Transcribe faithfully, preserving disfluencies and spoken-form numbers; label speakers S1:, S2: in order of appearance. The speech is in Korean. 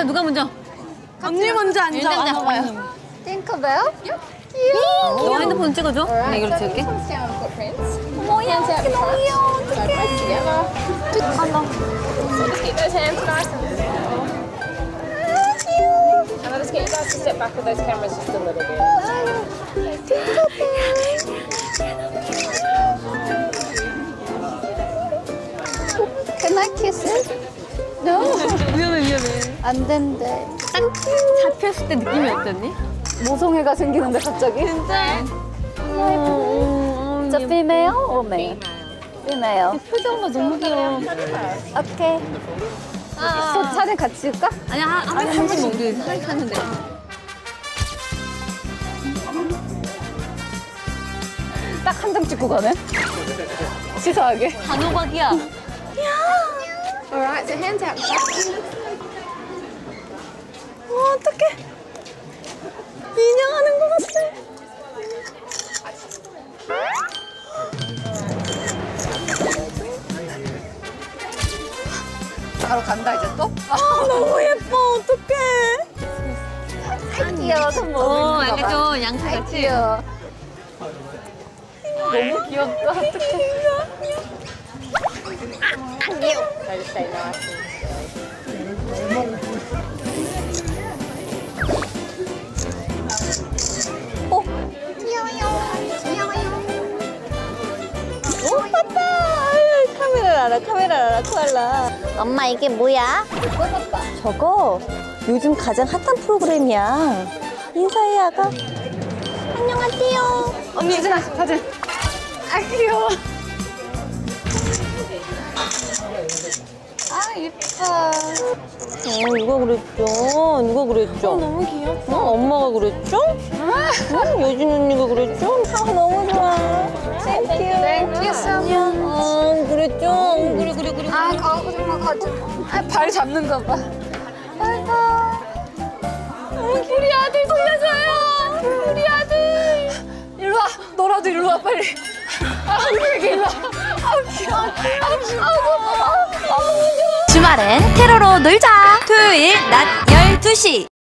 S1: 누가 먼저?
S2: 언니 먼저 앉아.
S1: 일단 앉아.
S2: 봐봐요.
S3: Tinkerbell?
S1: 너 핸드폰 찍어줘. 나 이걸로 찍을게.
S3: 뭐야, 귀여워.
S4: Just keep those hands nice and still. And I'll just get you guys to step back with those cameras just a little bit.
S3: Can I kiss it? No.
S1: 위험해 위험해.
S3: 안 된대.
S1: 딱 잡혔을 때 느낌이 어땠니?
S3: 모성애가 생기는데 갑자기?
S1: 진짜?
S3: 저 female or male? female.
S1: 표정가 너무 귀여워.
S3: 오케이. 저 차례 같이 올까?
S1: 아니 한 한 번씩 우리 사진 하는데.
S3: 딱 한 장 찍고 가네? 치사하게.
S1: 단호박이야.
S4: Alright, so hands out.
S1: 어, 어떡해. 인형하는 것 같아.
S3: 바로 간다 이제 또?
S1: 아, 너무 예뻐. 어떡해.
S3: 아, 귀여워. 손
S1: 어,
S3: 먹는 거
S1: 약간
S3: 봐.
S1: 좀 양치
S3: 아이,
S1: 같이.
S3: 귀여워. 너무 귀엽다. 어떡해.
S4: Try to stay nice.
S3: 어? 귀여워요. 귀여워요. 오, 봤다. 아유, 카메라를 알아, 카메라를 알아, 코알라.
S5: 엄마 이게 뭐야? 저거 요즘 가장 핫한 프로그램이야. 인사해 아가. 안녕하세요.
S3: 언니, 사진, 사진. 아, 귀여워. 아, 예뻐.
S5: 어, 누가 그랬죠? 누가 그랬죠?
S1: 너무 귀엽다.
S5: 어, 엄마가 그랬죠? 응, 여진 언니가 그랬죠? 아, 너무 좋아. 땡큐.
S3: Thank you so much.
S5: 어, 그랬죠?
S1: 그래 그래 그래.
S3: 아, 가고 싶어, 가지고. 아, 발 잡는 거 봐. 아이고.
S1: 우리 아들 돌려줘요. 우리 아들.
S3: 일로 와. 너라도 일로 와, 빨리. 아, 우리 일로 와. 아우, 귀여워. 아우, 아우, 아우, 아우.
S5: 주말엔 테러로 놀자. 토요일 낮 열두 시.